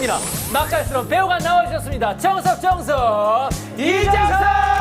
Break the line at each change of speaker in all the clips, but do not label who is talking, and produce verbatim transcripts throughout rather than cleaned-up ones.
예민한 맛깔스러운 배우가 나와주셨습니다. 정석, 정석, 이정석!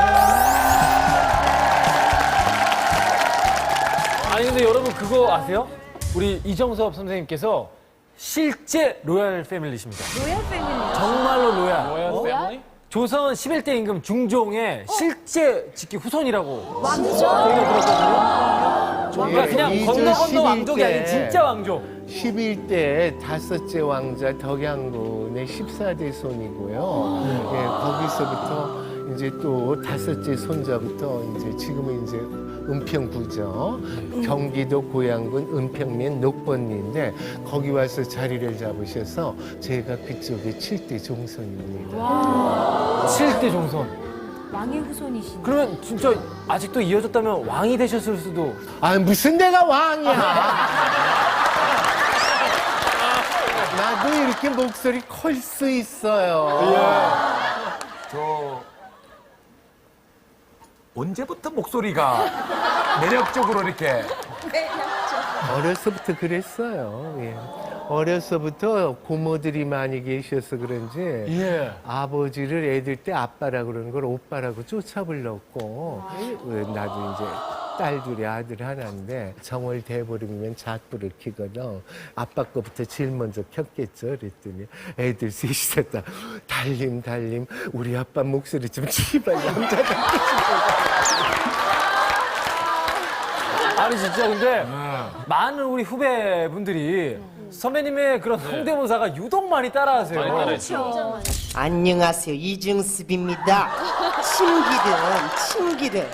아니 근데 여러분 그거 아세요? 우리 이정섭 선생님께서 실제 로얄 패밀리십니다.
로얄 패밀리.
정말로 로얄.
로얄 패밀리?
조선 십일 대 임금 중종의 실제 직계 후손이라고
왕조?
저희가 들었거든요. 그러니까 그냥
이제
건너 건너
십일
왕족이 아닌
대
진짜 왕족.
십일 대 다섯째 왕자 덕양군의 십사 대 손이고요. 예, 거기서부터 이제 또 다섯째 손자부터 이제 지금은 이제 은평구죠. 경기도 고양군 은평면 녹번리인데 거기 와서 자리를 잡으셔서 제가 그쪽에 칠 대 종손입니다.
칠 대 종손.
왕의 후손이시네.
그러면 진짜 아직도 이어졌다면 왕이 되셨을 수도.
아 무슨 내가 왕이야. 나도 이렇게 목소리 클 수 있어요.
저 언제부터 목소리가 매력적으로 이렇게
어려서부터 그랬어요. 예. 어려서부터 고모들이 많이 계셔서 그런지
예.
아버지를 애들 때 아빠라 그러는 걸 오빠라고 쫓아 불렀고 어, 나도 이제 딸 둘이 아들 하나인데 정월 돼버리면 잣불을 켜거든. 아빠 거부터 제일 먼저 켰겠죠. 그랬더니 애들 셋이 다 달림 달림 우리 아빠 목소리 좀 제발 남자답게
아니 진짜 근데 많은 우리 후배분들이 선배님의 그런 성대모사가 유독 많이 따라하세요.
그렇죠.
안녕하세요. 이중섭입니다. 참기름, 참기름.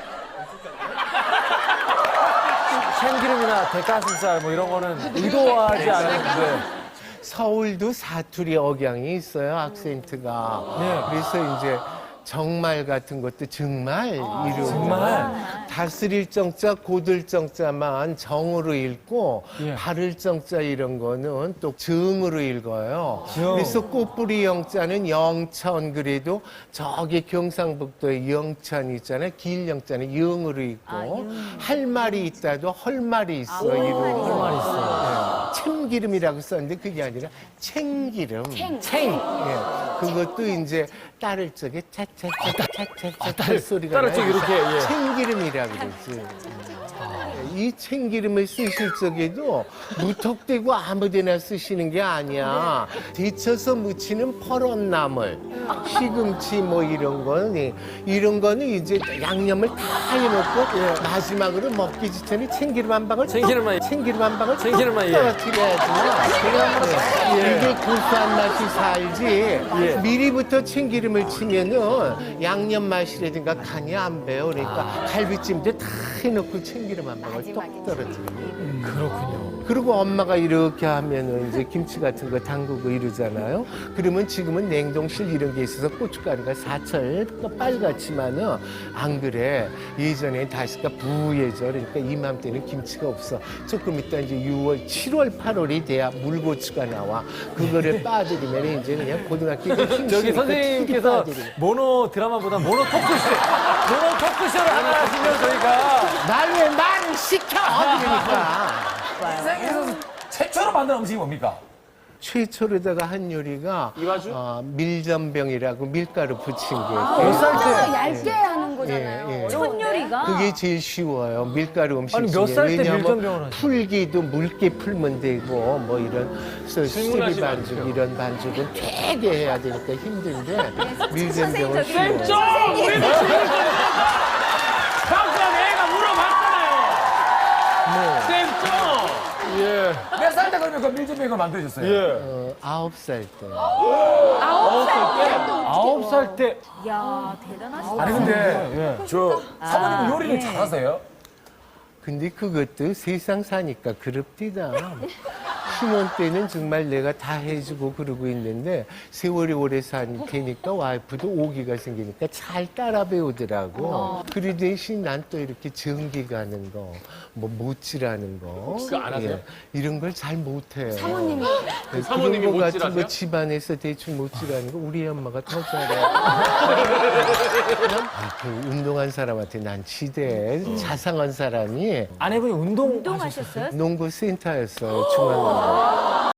참기름이나 대가슴살 뭐 이런 거는 의도하지 않았는데.
서울도 사투리 억양이 있어요, 악센트가.
네.
그래서 이제 정말 같은 것도 정말 이름.
정말?
다스릴 정자, 고들 정자만 정으로 읽고
예.
바를 정자 이런 거는 또 정으로 읽어요.
정.
그래서 꽃뿌리 영자는 영천 그래도 저기 경상북도에 영천 있잖아요. 길 영자는 영으로 읽고 할 말이 있다도 헐 말이 있어. 이름.
할 말이 있어요.
참기름이라고 썼는데 그게 아니라 챙기름.
챙.
예. 그것도 이제 따를 적에 차차차차차차 할 소리가
따를 적에
나요.
이렇게, 예.
챙기름이라고 그러지. 이 참기름을 쓰실 적에도 무턱대고 아무데나 쓰시는 게 아니야. 데쳐서 무치는 퍼런 나물, 시금치 뭐 이런 거는 이런 거는 이제 양념을 다 해놓고 마지막으로 먹기 직전에 참기름 한 방울
참기름만,
참기름 한 방울
참기름만, 예.
떨어뜨려야지. 이게 고소한 맛이 살지.
예.
미리부터 참기름을 치면은 양념 맛이라든가 간이 안 배요. 그러니까 갈비찜도 다 해놓고 참기름 한 방울 똑 떨어뜨려.
그렇군요.
그리고 엄마가 이렇게 하면은 이제 김치 같은 거 담그고 이러잖아요. 그러면 지금은 냉동실 이런 게 있어서 고춧가루가 사철 빨갛지만은 안 그래. 예전에 다시가 부예절 그러니까 이맘때는 김치가 없어. 조금 있다 이제 유월, 칠월, 팔월이 돼야 물고추가 나와. 그거를 빠뜨리면 이제 그냥 고등학교
저기 선생님께서 모노 드라마보다 모노 토크쇼, 모노 토크쇼를 하나 하시면 저희가
날 왜 말을 시켜? 그러니까.
세상에서 최초로 만든 음식이 뭡니까?
최초로다가 한 요리가 어, 밀전병이라고 밀가루 부친 게
몇 살 때? 얇게 하는
예,
거잖아요.
예.
첫 요리가.
그게 제일 쉬워요. 밀가루 음식
아니,
중에.
몇 살 때
왜냐하면
밀전병을 하죠?
풀기도 묽게 풀면 되고 뭐 이런 수리 반죽 이런 반죽은 되게 해야 되니까 힘든데 밀전병은 쉬워요.
방금 애가 물어봤잖아요.
뭐
쌤
예.
몇 살 때 그러면 그 밀전병을 만드셨어요?
예.
어, 아홉 살 때.
아홉 살 때.
아홉 살 때.
이야, 대단하시다.
아니 근데 저 사모님 요리를
예.
잘하세요?
근데 그것도 세상 사니까 그럽디다. 신혼 때는 정말 내가 다 해주고 그러고 있는데 세월이 오래 사니까 와이프도 오기가 생기니까 잘 따라 배우더라고. 그리 대신 난 또 이렇게 전기 가는 거, 뭐 못질하는 거.
그거 안 하세요?
예, 이런 걸 잘 못해요.
사모님이.
네,
사모님이
그런 거 같은
못질하세요?
거 집안에서 대충 못질하는 거 우리 엄마가 더 잘해. 그냥 아, 그 운동한 사람한테 난 지대. 자상한 사람이
아내분이 운동
운동하셨어요?
농구 센터였어요, 중앙.